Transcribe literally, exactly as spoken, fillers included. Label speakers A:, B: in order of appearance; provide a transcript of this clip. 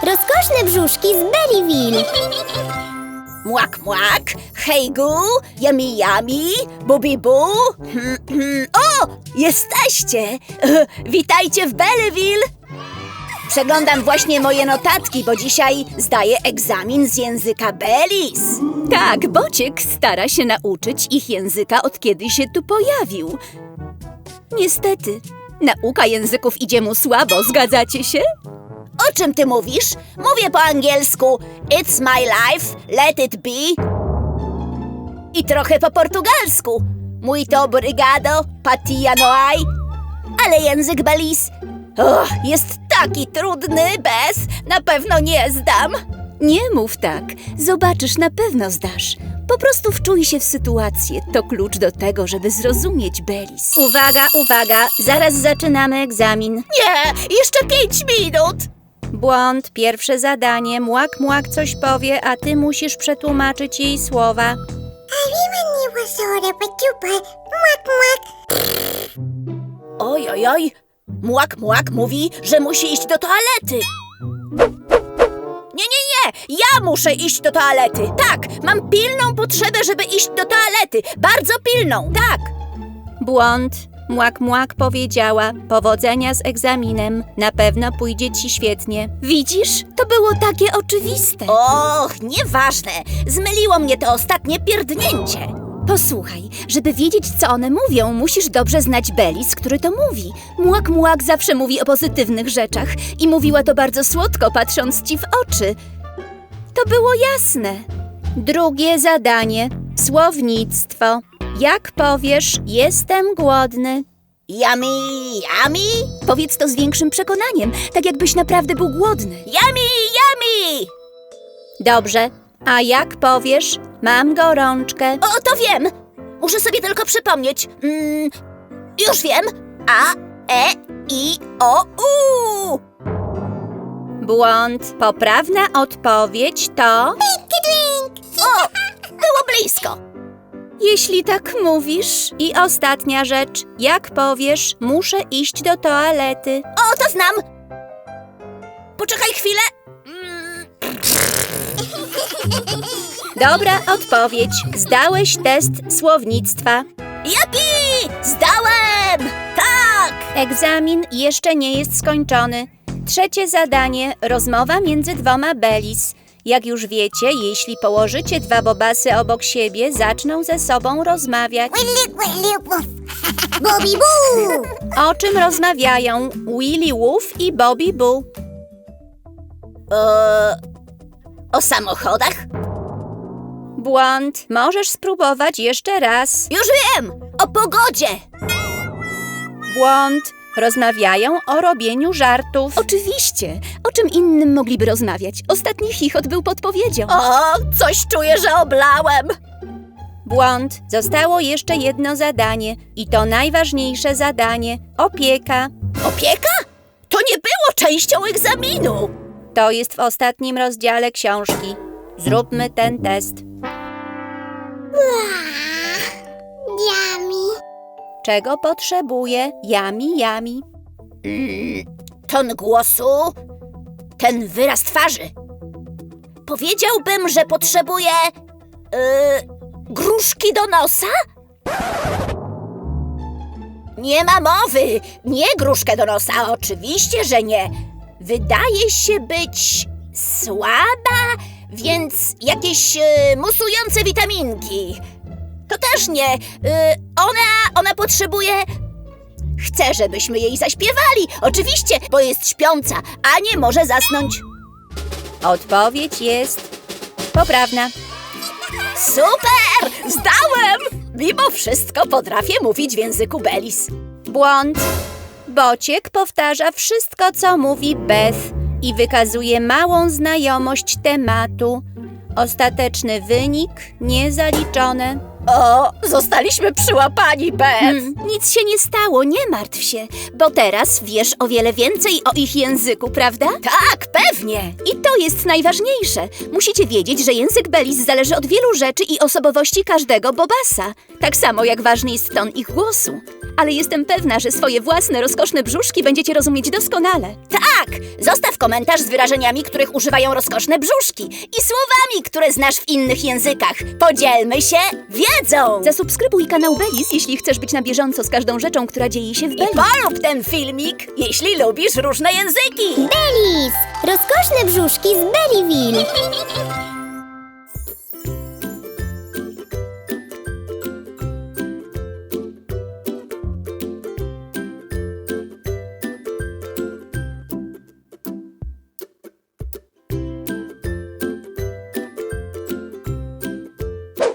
A: Rozkoszne brzuszki z Berryville.
B: Młak, młak, hej gu, yummy, yummy, bubi bu. Hmm, hmm. O, jesteście! Witajcie w Berryville. Przeglądam właśnie moje notatki, bo dzisiaj zdaję egzamin z języka Bellis.
C: Tak, Bociek stara się nauczyć ich języka, od kiedy się tu pojawił. Niestety, nauka języków idzie mu słabo, zgadzacie się?
B: O czym ty mówisz? Mówię po angielsku It's my life, let it be. I trochę po portugalsku Muito obrigado, patia no hay. Ale język Bellis oh, jest taki trudny, bez na pewno nie zdam.
C: Nie mów tak, zobaczysz, na pewno zdasz. Po prostu wczuj się w sytuację, to klucz do tego, żeby zrozumieć Bellis.
A: Uwaga, uwaga, zaraz zaczynamy egzamin.
B: Nie, jeszcze pięć minut.
C: Błąd, pierwsze zadanie, Młak Młak coś powie, a ty musisz przetłumaczyć jej słowa.
B: Oj, oj, oj. Młak, młak mówi, że musi iść do toalety. Nie, nie, nie! Ja muszę iść do toalety. Tak, mam pilną potrzebę, żeby iść do toalety. Bardzo pilną, tak.
C: Błąd, Młak Młak powiedziała, powodzenia z egzaminem, na pewno pójdzie ci świetnie. Widzisz, to było takie oczywiste.
B: Och, nieważne. Zmyliło mnie to ostatnie pierdnięcie.
C: Posłuchaj, żeby wiedzieć, co one mówią, musisz dobrze znać Bellis, który to mówi. Młak Młak zawsze mówi o pozytywnych rzeczach i mówiła to bardzo słodko, patrząc ci w oczy. To było jasne. Drugie zadanie. Słownictwo. Jak powiesz, jestem głodny?
B: Yummy, yummy,
C: Powiedz to z większym przekonaniem, tak jakbyś naprawdę był głodny.
B: yummy, yummy.
C: Dobrze. A jak powiesz, mam gorączkę?
B: O, to wiem. Muszę sobie tylko przypomnieć. Mm, już wiem. A, e, i, o, u.
C: Błąd. Poprawna odpowiedź to...
B: O, było blisko.
C: Jeśli tak mówisz. I ostatnia rzecz. Jak powiesz, muszę iść do toalety?
B: O, to znam. Poczekaj chwilę. Mm,
C: Dobra odpowiedź. Zdałeś test słownictwa.
B: Jupi! Zdałem! Tak!
C: Egzamin jeszcze nie jest skończony. Trzecie zadanie. Rozmowa między dwoma Bellis. Jak już wiecie, jeśli położycie dwa bobasy obok siebie, zaczną ze sobą rozmawiać.
A: Bobby Boo!
C: O czym rozmawiają Willy Woof i Bobby Boo?
B: E, o samochodach?
C: Błąd. Możesz spróbować jeszcze raz.
B: Już wiem! O pogodzie!
C: Błąd. Rozmawiają o robieniu żartów. Oczywiście. O czym innym mogliby rozmawiać? Ostatni chichot był podpowiedzią.
B: O, coś czuję, że oblałem!
C: Błąd. Zostało jeszcze jedno zadanie. I to najważniejsze zadanie. Opieka.
B: Opieka? To nie było częścią egzaminu!
C: To jest w ostatnim rozdziale książki. Zróbmy ten test.
A: Yummy.
C: Czego potrzebuje Yami Yami?
B: Mm, ton głosu, ten wyraz twarzy. Powiedziałbym, że potrzebuję yy, gruszki do nosa? Nie ma mowy! Nie gruszkę do nosa, oczywiście, że nie. Wydaje się być słaba, więc jakieś yy, musujące witaminki. To też nie. Yy, ona, ona potrzebuje... Chcę, żebyśmy jej zaśpiewali. Oczywiście, bo jest śpiąca, a nie może zasnąć.
C: Odpowiedź jest poprawna.
B: Super! Zdałem! Mimo wszystko potrafię mówić w języku Bellis.
C: Błąd. Bociek powtarza wszystko, co mówi Beth i wykazuje małą znajomość tematu. Ostateczny wynik niezaliczone.
B: O, zostaliśmy przyłapani, Beth.
C: Hmm, nic się nie stało, nie martw się, bo teraz wiesz o wiele więcej o ich języku, prawda?
B: Tak, pewnie.
C: I to jest najważniejsze. Musicie wiedzieć, że język Bellis zależy od wielu rzeczy i osobowości każdego bobasa. Tak samo jak ważny jest ton ich głosu. ale jestem pewna, że swoje własne, rozkoszne brzuszki będziecie rozumieć doskonale.
B: Tak! Zostaw komentarz z wyrażeniami, których używają rozkoszne brzuszki i słowami, które znasz w innych językach. Podzielmy się wiedzą!
C: Zasubskrybuj kanał Belis, jeśli chcesz być na bieżąco z każdą rzeczą, która dzieje się w
B: I
C: Beli.
B: polub ten filmik, jeśli lubisz różne języki!
A: Belis! Rozkoszne brzuszki z Bellyville.